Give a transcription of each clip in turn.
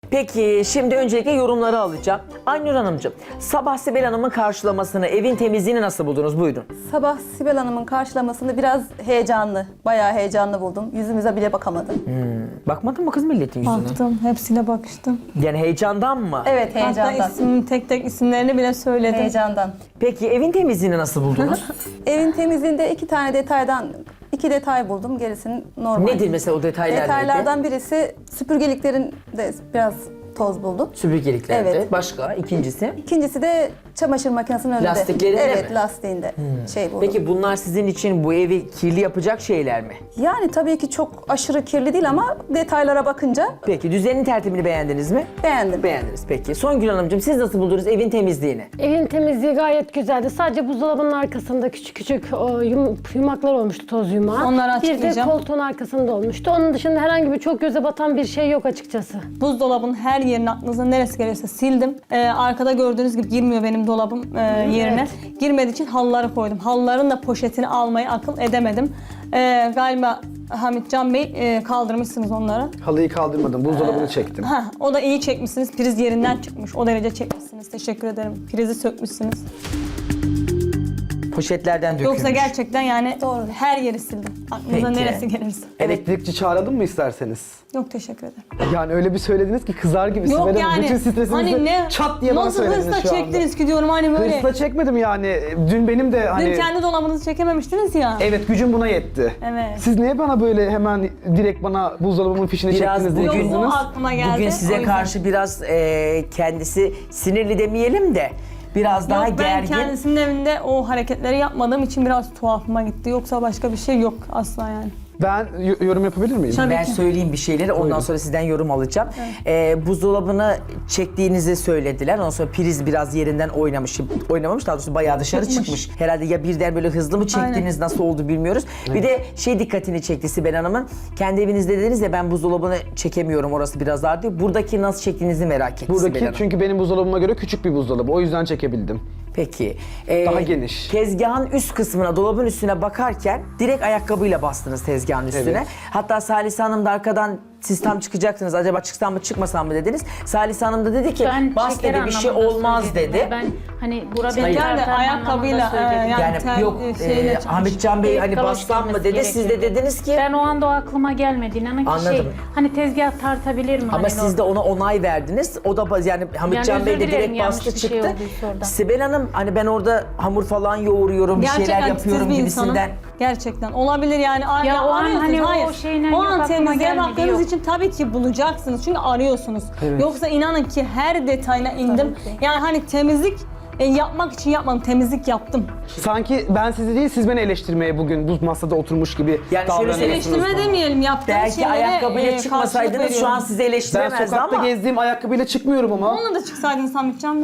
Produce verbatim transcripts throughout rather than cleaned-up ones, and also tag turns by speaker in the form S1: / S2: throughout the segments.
S1: Peki şimdi öncelikle yorumları alacağım. Aynur Hanımcığım, sabah Sibel Hanım'ın karşılamasını, evin temizliğini nasıl buldunuz? Buyurun.
S2: Sabah Sibel Hanım'ın karşılamasını biraz heyecanlı, bayağı heyecanlı buldum. Yüzümüze bile bakamadım.
S1: Hmm. Bakmadın mı kız milletin yüzüne?
S3: Baktım, hepsine bakıştım.
S1: Yani heyecandan mı?
S2: Evet, heyecandan.
S3: Hatta isim, tek tek isimlerini bile söyledim.
S2: Heyecandan.
S1: Peki evin temizliğini nasıl buldunuz?
S2: Evin temizliğinde iki tane detaydan, iki detay buldum. Gerisini normal.
S1: Nedir mesela o detaylar?
S2: Detaylardan birisi süpürgeliklerin de biraz toz buldum.
S1: Süpürgeliklerde.
S2: Evet.
S1: Başka? İkincisi?
S2: İkincisi de çamaşır makinesinin önünde.
S1: Lastiklerinde
S2: Evet,
S1: mi?
S2: lastiğinde şey buldum.
S1: Peki bunlar sizin için bu evi kirli yapacak şeyler mi?
S2: Yani tabii ki çok aşırı kirli değil ama detaylara bakınca
S1: Peki düzenin tertibini beğendiniz mi?
S2: beğendim.
S1: Beğendiniz. Peki Songül Hanımcığım siz nasıl buldunuz evin temizliğini?
S4: Evin temizliği gayet güzeldi. Sadece buzdolabının arkasında küçük küçük o, yum- yumaklar olmuştu, toz yumağı.
S3: Onları
S4: Bir de
S3: açıklayacağım.
S4: koltuğun arkasında olmuştu. Onun dışında herhangi bir çok göze batan bir şey yok açıkçası.
S3: Buzdolabının her yerini aklınıza neresi gelirse sildim. Ee, arkada gördüğünüz gibi girmiyor benim dolabım e, yerine. Girmediği için halıları koydum. Halıların da poşetini almayı akıl edemedim. Ee, galiba Hamit Can Bey e, kaldırmışsınız onları.
S5: Halıyı kaldırmadım, buzdolabını çektim.
S3: Heh, o da iyi çekmişsiniz. Priz yerinden çıkmış. O derece çekmişsiniz. Teşekkür ederim. Prizi sökmüşsünüz.
S1: Poşetlerden dökülmüş.
S3: Yoksa gerçekten yani
S2: Doğru.
S3: her yeri sildim. Aklınıza
S1: Peki.
S3: neresi gelirse.
S5: Elektrikçi çağıralım mı isterseniz?
S3: Yok teşekkür ederim.
S5: Yani öyle bir söylediniz ki kızar gibi
S3: Yok
S5: Sibel Hanım.
S3: yani.
S5: Bütün stresinizi
S3: Hani ne?
S5: çat diye bana
S3: Nasıl
S5: söylediniz
S3: hırsla
S5: şu anda.
S3: çektiniz ki diyorum hani böyle.
S5: Hırsla çekmedim yani. Dün benim de hani...
S3: Dün kendi dolabınızı çekememiştiniz ya.
S5: Evet, gücüm buna yetti.
S3: Evet.
S5: Siz niye bana böyle hemen direkt bana buzdolabımın fişini
S1: Biraz
S5: çektiniz diye
S1: bugün-
S5: kızdınız?
S3: O aklıma geldi.
S1: Bugün
S3: o
S1: size
S3: yüzden.
S1: karşı biraz e, kendisi sinirli demeyelim de biraz daha
S3: Yok, ben
S1: gergin.
S3: kendisinin evinde o hareketleri yapmadığım için biraz tuhafıma gitti. Yoksa başka bir şey yok asla yani.
S5: Ben y- yorum yapabilir miyim?
S3: Tabii
S1: Ben
S3: ki.
S1: söyleyeyim bir şeyleri ondan
S5: Buyurun.
S1: sonra sizden yorum alacağım. Ee, buzdolabını çektiğinizi söylediler. Ondan sonra priz biraz yerinden oynamış, oynamamış daha doğrusu bayağı dışarı
S3: Çıkmış.
S1: çıkmış. Herhalde ya birden böyle hızlı mı çektiğiniz nasıl oldu bilmiyoruz. Bir de şey dikkatini çekti Sibel Hanım'ın. Kendi evinizde dediniz ya ben buzdolabını çekemiyorum orası biraz dar diyor. Buradaki nasıl çektiğinizi merak etti Sibel
S5: Buradaki
S1: Hanım.
S5: çünkü benim buzdolabıma göre küçük bir buzdolabı. O yüzden çekebildim.
S1: Peki. Ee,
S5: Daha geniş.
S1: Tezgahın üst kısmına, dolabın üstüne bakarken direkt ayakkabıyla bastınız tezgahın üstüne.
S5: Evet.
S1: Hatta Salise Hanım da arkadan siz tam çıkacaksınız. Acaba çıksam mı çıkmasam mı dediniz. Salise Hanım da dedi ki
S6: Ben
S1: bas
S6: şeker
S1: dedi bir şey
S6: anlamında
S1: olmaz
S6: söyledim.
S1: dedi.
S6: Ben hani burada
S3: Şeker de
S6: tartar
S3: ayakkabıyla,
S6: anlamında söyledim.
S3: e, yani-
S1: Yani
S3: tel,
S1: yok
S3: e, şeyle
S1: e,
S3: çalışmış.
S1: Hamit Can Bey hani
S6: Galoş
S1: bassam mı
S6: giymesi
S1: dedi. Siz de
S6: gerekiyordu.
S1: dediniz ki
S6: Ben o anda o aklıma gelmedi. İnanın ki şey,
S1: Anladım.
S6: hani tezgah tartabilir mi?
S1: ama
S6: hani
S1: siz de ona onay verdiniz. O da baz- yani Hamit
S6: Yani
S1: Can Bey
S6: özür
S1: de
S6: dilerim,
S1: direkt
S6: yanlış
S1: bastı
S6: bir şey
S1: çıktı.
S6: olduysa orada.
S1: Sibel Hanım hani ben orada hamur falan yoğuruyorum, bir şeyler
S3: Gerçekten
S1: yapıyorum
S3: titiz bir insanım.
S1: gibisinden.
S3: Gerçekten olabilir yani. Ar-
S6: Ya o an
S3: arıyorsunuz,
S6: hani o
S3: hayır.
S6: şeyle
S3: o
S6: yok,
S3: an
S6: aklıma
S3: temizliğe
S6: gelmedi,
S3: baktığınız
S6: yok.
S3: için tabii ki bulacaksınız. Çünkü arıyorsunuz. Yoksa inanın ki her detayına indim. Yani hani temizlik e, yapmak için yapmadım. Temizlik yaptım.
S5: Sanki ben sizi değil, siz beni eleştirmeye bugün bu masada oturmuş gibi
S1: Yani şöyle
S5: davranıyorsunuz.
S3: Eleştirme demeyelim. Yaptığım
S1: Belki
S3: şeylere
S1: ayakkabıyla
S3: e,
S1: çıkmasaydınız
S3: karşılık
S1: şu an
S3: veriyorum.
S1: sizi
S5: Ben
S1: eleştiremezdi
S5: sokakta
S1: ama.
S5: gezdiğim ayakkabıyla çıkmıyorum ama.
S3: Onunla da çıksaydınız Hamit Can Bey.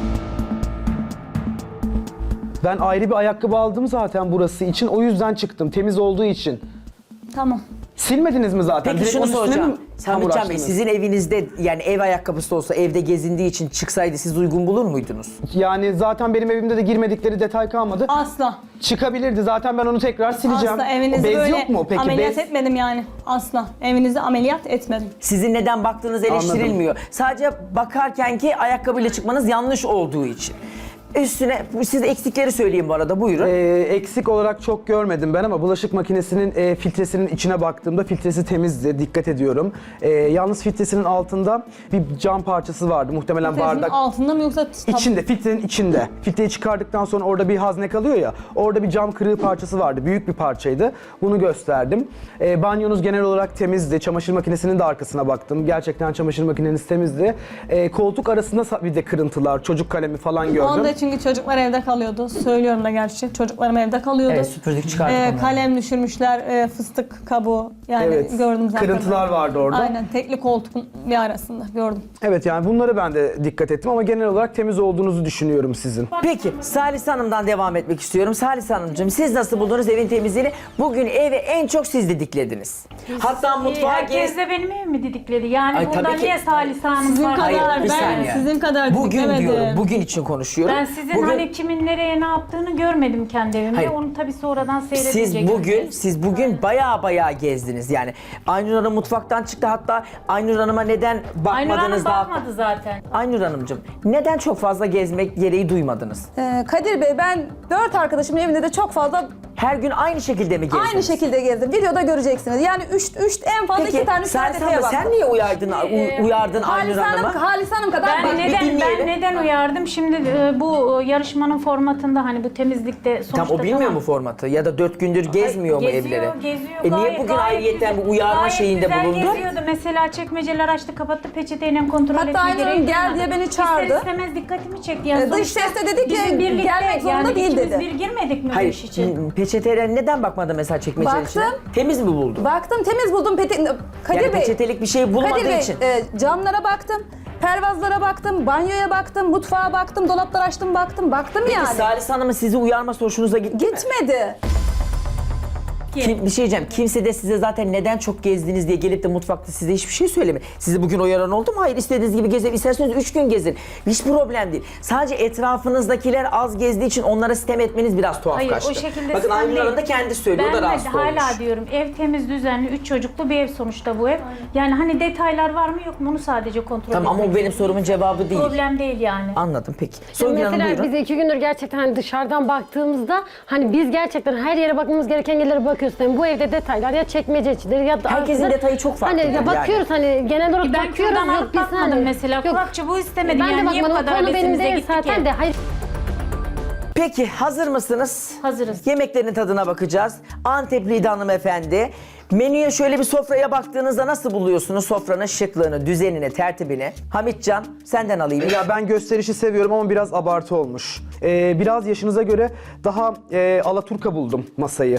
S5: Ben ayrı bir ayakkabı aldım zaten burası için. O yüzden çıktım. Temiz olduğu için.
S3: Tamam.
S5: Silmediniz mi zaten?
S1: Peki
S5: Direkt
S1: şunu
S5: onun üstüne
S1: soracağım.
S5: mi hamur
S1: Hamit Can Bey
S5: açtınız?
S1: sizin evinizde yani ev ayakkabısı olsa evde gezindiği için çıksaydı siz uygun bulur muydunuz?
S5: Yani zaten benim evimde de girmedikleri detay kalmadı.
S3: Asla.
S5: Çıkabilirdi. Zaten ben onu tekrar sileceğim.
S3: Asla evinizi
S5: Bez
S3: böyle
S5: yok mu peki?
S3: ameliyat
S5: Bez.
S3: etmedim yani. Asla. Evinizi ameliyat etmedim.
S1: Sizin neden baktığınız eleştirilmiyor. Sadece bakarken ki ayakkabıyla çıkmanız yanlış olduğu için. Üstüne size eksikleri söyleyeyim bu arada buyurun.
S5: Ee, eksik olarak çok görmedim ben ama bulaşık makinesinin e, filtresinin içine baktığımda filtresi temizdi, dikkat ediyorum. Ee, yalnız filtresinin altında bir cam parçası vardı, muhtemelen
S3: Filtresinin
S5: bardak.
S3: altında mı yoksa tab-
S5: İçinde, filtrenin içinde. Filtreyi çıkardıktan sonra orada bir hazne kalıyor ya, orada bir cam kırığı parçası vardı, büyük bir parçaydı. Bunu gösterdim. Ee, banyonuz genel olarak temizdi, çamaşır makinesinin de arkasına baktım. Gerçekten çamaşır makineniz temizdi. Ee, koltuk arasında sa- bir de kırıntılar, çocuk kalemi falan gördüm.
S3: Onda çünkü çocuklar evde kalıyordu. Söylüyorum da gerçi. Çocuklarım evde kalıyordu.
S1: Evet, süpürdük, çıkardık
S3: Ee,
S1: onları.
S3: kalem düşürmüşler, e, fıstık kabuğu. Yani
S5: Evet,
S3: gördüm zaten.
S5: kırıntılar vardı orada.
S3: Aynen, tekli koltuğun bir arasında gördüm.
S5: Evet, yani bunları ben de dikkat ettim ama genel olarak temiz olduğunuzu düşünüyorum sizin.
S1: Peki Salise Hanım'dan devam etmek istiyorum. Salise Hanımcığım siz nasıl buldunuz evin temizliğini? Bugün eve en çok siz didiklediniz. Hatta mutfağa
S6: Herkes
S1: gez...
S6: de benim evimi mi didikledi? Yani
S1: Ay,
S6: burada
S1: tabii ki.
S6: niye Salise Hanım
S3: Sizin
S6: var?
S3: kadar
S1: Hayır, bir
S3: ben
S1: saniye.
S3: sizin kadar
S1: Bugün
S3: diklemedim.
S1: diyorum, bugün için konuşuyorum.
S6: Ben sizin
S1: Bugün-
S6: hani kimin nereye ne yaptığını görmedim kendi evimde.
S1: Hayır.
S6: Onu tabii sonradan seyredince
S1: Siz bugün,
S6: gördüm.
S1: siz bugün baya baya gezdiniz yani. Aynur Hanım mutfaktan çıktı, hatta Aynur Hanım'a neden
S6: Aynur Hanım
S1: bakmadınız daha...
S6: bakmadı zaten.
S1: Aynur Hanımcığım, neden çok fazla gezmek gereği duymadınız?
S2: Ee, Kadir Bey, ben dört arkadaşımın evinde de çok fazla
S1: Her gün aynı şekilde mi gezdiniz?
S2: aynı şekilde gezdim. Videoda göreceksiniz. Yani üç, üç en fazla iki
S1: Peki
S2: tane
S1: sen,
S2: üç tane
S1: sen, sen niye uyardın, u- uyardın Aynur
S2: Halis Hanım,
S1: Hanım'a?
S2: Halis Hanım kadar
S6: Ben
S2: bak,
S6: neden
S1: dinleyelim.
S6: ben neden uyardım? Şimdi e, bu e, yarışmanın formatında hani bu temizlikte sonuçta
S1: Tam o bilmiyor
S6: tamam.
S1: mu formatı? Ya da dört gündür gezmiyor mu
S6: Geziyor,
S1: evleri?
S6: Geziyor,
S1: E niye
S6: gayet-
S1: bugün
S6: gayet
S1: ayrıyetten
S6: güzel-
S1: bir uyarma
S6: gayet
S1: şeyinde
S6: güzel
S1: bulundu?
S6: geziyordu. Mesela çekmeceler açtı, kapattı, peçeteyle kontrol
S2: Hatta
S6: etme
S2: Aynur Hanım
S6: gereği
S2: gel
S6: duymadı.
S2: diye beni çağırdı.
S6: İster istemez dikkatimi çekti. Yani
S2: Ee, dış
S6: sonuçta
S2: sesle dedi ki,
S6: bizim birlikte,
S2: gelmek zorunda
S6: yani
S2: değil
S6: ikimiz
S2: dedi.
S6: bir girmedik mi bu
S1: Hayır,
S6: iş için?
S1: peçeteler neden bakmadı mesela çekmecenin
S2: Baktım.
S1: içine? Temiz mi buldu?
S2: Baktım, temiz buldum. Peti... Kadir
S1: Yani
S2: Bey,
S1: peçetelik bir şey bulmadığı
S2: Kadir Bey,
S1: için.
S2: e, camlara baktım, pervazlara baktım, banyoya baktım, mutfağa baktım, dolaplar açtım, baktım, baktım
S1: Peki
S2: yani.
S1: Salih Hanım'ın sizi uyarması hoşunuza gitti mi?
S2: Gitmedi.
S1: Kim, bir şey diyeceğim. Kimse de size zaten neden çok gezdiniz diye gelip de mutfakta size hiçbir şey söylemiyor. Sizi bugün uyaran oldu mu? Hayır, istediğiniz gibi gezin. İsterseniz üç gün gezin. Hiç problem değil. Sadece etrafınızdakiler az gezdiği için onlara sitem etmeniz biraz tuhaf
S6: Hayır,
S1: kaçtı.
S6: o şekilde
S1: Bakın
S6: sistem
S1: Aynur Hanım
S6: değil.
S1: da kendi söylüyor.
S6: Ben
S1: o da
S6: de
S1: rahatsız
S6: hala
S1: olmuş.
S6: diyorum, ev temiz, düzenli, üç çocuklu bir ev sonuçta bu ev. Yani hani detaylar var mı yok mu onu sadece kontrol
S1: Tamam ama
S6: etmek
S1: o benim sorumun cevabı değil.
S6: Problem değil yani.
S1: Anladım peki. Songül Hanım
S4: Mesela
S1: buyurun.
S4: biz iki gündür gerçekten hani dışarıdan baktığımızda hani biz gerçekten her yere bakmamız gereken yerlere bakıyoruz. Yani bu evde detaylar ya çekmece içidir ya da
S1: Herkesin
S4: arkada-
S1: detayı çok farklı
S4: Hani ya
S1: yani.
S4: bakıyoruz hani genel olarak
S6: Ben
S4: bakıyoruz.
S6: kürdan
S4: yok
S6: alıp
S4: biz
S6: bakmadım
S4: hani-
S6: mesela.
S4: Yok,
S6: Kulakçı bu istemedi.
S4: ben de
S6: Yani niye bu
S4: bakmadım.
S6: kadar
S4: Konu benim
S6: hevesimize
S4: değil
S6: gitti
S4: zaten
S6: ki?
S4: de. Hayır.
S1: Peki hazır mısınız?
S6: Hazırız.
S1: Yemeklerin tadına bakacağız. Antepliydi hanımefendi. Menüye şöyle bir sofraya baktığınızda nasıl buluyorsunuz sofranın şıklığını, düzenini, tertibini? Hamitcan senden alayım.
S5: Ya ben gösterişi seviyorum ama biraz abartı olmuş. Ee, biraz yaşınıza göre daha e, alaturka buldum masayı.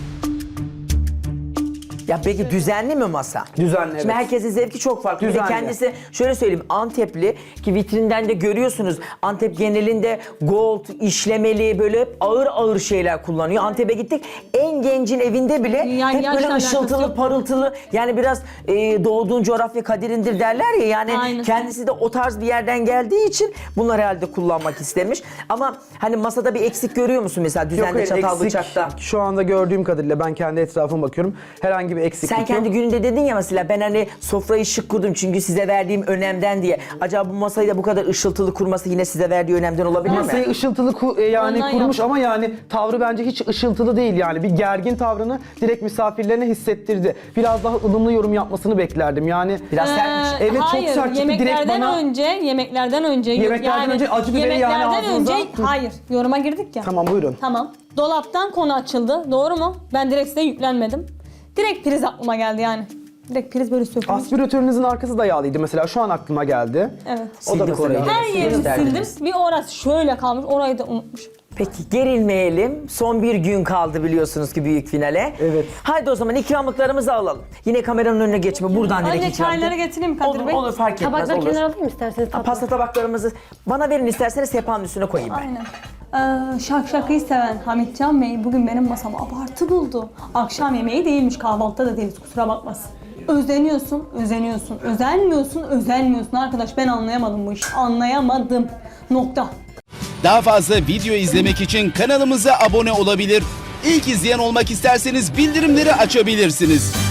S1: Ya peki düzenli mi masa?
S5: Düzenli,
S1: Şimdi
S5: evet.
S1: herkesin zevki çok farklı. Bir de
S5: Düzenli.
S1: kendisi şöyle söyleyeyim, Antepli ki vitrinden de görüyorsunuz. Antep genelinde gold, işlemeli böyle hep ağır ağır şeyler kullanıyor. Antep'e gittik. En gencin evinde bile
S3: Yani
S1: hep
S3: yaşla
S1: böyle
S3: alakası
S1: ışıltılı,
S3: yok.
S1: parıltılı. Yani biraz e, doğduğun coğrafya kaderindir derler ya. Yani
S3: Aynen.
S1: kendisi de o tarz bir yerden geldiği için bunları herhalde kullanmak istemiş. Ama hani masada bir eksik görüyor musun mesela düzenli
S5: hayır,
S1: çatal
S5: eksik.
S1: bıçakta?
S5: Şu anda gördüğüm kadarıyla ben kendi etrafıma bakıyorum. Herhangi bir eksiklik
S1: Sen
S5: yok.
S1: kendi gününde dedin ya mesela ben hani sofrayı şık kurdum çünkü size verdiğim önemden diye. Acaba bu masayı da bu kadar ışıltılı kurması yine size verdiği önemden olabilir
S5: Masayı
S1: mi?
S5: ışıltılı ku- e, yani
S3: Ondan
S5: kurmuş
S3: yap.
S5: ama yani tavrı bence hiç ışıltılı değil yani. Bir gergin tavrını direkt misafirlerine hissettirdi. Biraz daha ılımlı yorum yapmasını beklerdim yani.
S1: Biraz
S3: Ee,
S1: sertmiş.
S5: Evet, çok
S3: hayır,
S5: sert çıktı. Direkt
S3: yemeklerden
S5: bana-
S3: önce, yemeklerden önce
S5: Yemeklerden önce acı biberi yani
S3: yemeklerden
S5: ağzınıza-
S3: önce hayır, yoruma girdik ya.
S5: Tamam buyurun.
S3: Tamam. Dolaptan konu açıldı. Doğru mu? Ben direkt size yüklenmedim. Direkt priz aklıma geldi yani. Direkt priz böyle sökülmüş.
S5: Aspiratörünüzün arkası da yağlıydı mesela şu an aklıma geldi.
S3: Evet.
S5: O da
S1: Sildik
S5: mesela.
S1: orayı.
S3: Her yerini
S1: Gösterdiniz.
S3: sildim. Bir orası şöyle kalmış. Orayı da unutmuşum.
S1: Peki gerilmeyelim. Son bir gün kaldı biliyorsunuz ki büyük finale.
S5: Evet.
S1: Haydi o zaman ikramlıklarımızı alalım. Yine kameranın önüne geçme. Buradan direkt
S3: Önce
S1: ikram.
S3: çayları getireyim Kadir
S1: Olur,
S3: Bey.
S1: olur fark etmez
S4: Tabakları
S1: olur.
S4: kenara alayım isterseniz. tatlı.
S1: Pasta tabaklarımızı bana verin isterseniz sehpanın üstüne koyayım ben.
S3: Aynen. Ee, şak şakıyı seven Hamitcan Bey bugün benim masama abartı buldu. Akşam yemeği değilmiş, kahvaltıda da değiliz, kusura bakmasın. Özeniyorsun, özeniyorsun, özenmiyorsun, özenmiyorsun. Arkadaş ben anlayamadım bu işi, anlayamadım. Nokta.
S7: Daha fazla video izlemek için kanalımıza abone olabilir. İlk izleyen olmak isterseniz bildirimleri açabilirsiniz.